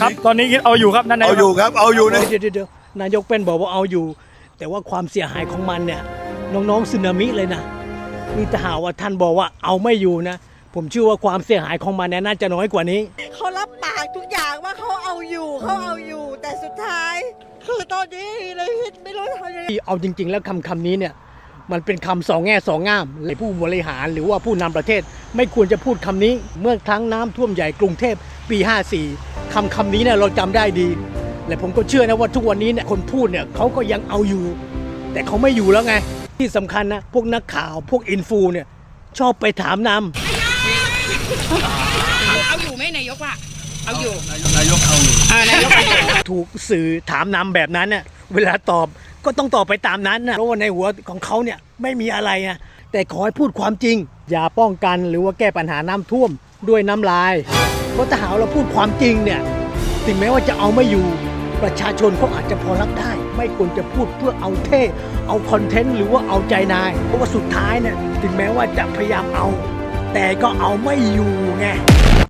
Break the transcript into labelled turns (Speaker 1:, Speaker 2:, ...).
Speaker 1: ครับตอนนี้เอาอยู่ครับนั่นนาย
Speaker 2: เอาอยู่ครับเอาอยู่นะ
Speaker 3: เดี๋ยวนายกเป็นบอกว่าเอาอยู่ แต่ว่าความเสียหายของมันเนี่ยน้องๆสึนามิเลยนะนี่ถ้าหากว่าท่านบอกว่าเอาไม่อยู่นะ ผมเชื่อว่าความเสียหายของมันเนี่ยน่าจะน้อยกว่านี้
Speaker 4: เขารับปากทุกอย่างว่าเขาเอาอยู่เขาเอาอยู่ แต่สุดท้าย คือตอนนี้เลยไม่รู้ทำยังไง
Speaker 3: เอาจริง ๆ แล้วคำนี้เนี่ยมันเป็นคำสองแง่สองง่ามเลยผู้บริหารหรือว่าผู้นำประเทศ ไม่ควรจะพูดคำนี้เมื่อครั้งน้ำท่วมใหญ่กรุงเทพปี 54คำนี้เนี่ยเราจำได้ดี และผมก็เชื่อนะว่าทุกวันนี้เนี่ยคนพูดเนี่ยเขาก็ยังเอาอยู่ แต่เขาไม่อยู่แล้วไง ที่สำคัญนะพวกนักข่าวพวกอินฟูเนี่ยชอบไปถามนำ
Speaker 5: เอาอยู่ไหมนายกว่าเอาอยู่
Speaker 2: นายกเอาอยู่
Speaker 5: นายกเอาอยู่
Speaker 3: ถูกสื่อถามนำแบบนั้นน่ะเวลาตอบก็ต้องตอบไปตามนั้นนะเพราะว่าในหัวของเขาเนี่ยไม่มีอะไรนะแต่ขอให้พูดความจริง อย่าป้องกันหรือว่าแก้ปัญหาน้ำท่วมด้วยน้ำลายเพราะถ้าหากเราพูดความจริงเนี่ยถึงแม้ว่าจะเอาไม่อยู่ประชาชนเขาอาจจะพอรับได้ ไม่ควรจะพูดเพื่อเอาเท่เอาคอนเทนต์หรือว่าเอาใจนายเพราะว่าสุดท้ายเนี่ยถึงแม้ว่าจะพยายามเอา แต่ก็เอาไม่อยู่ไง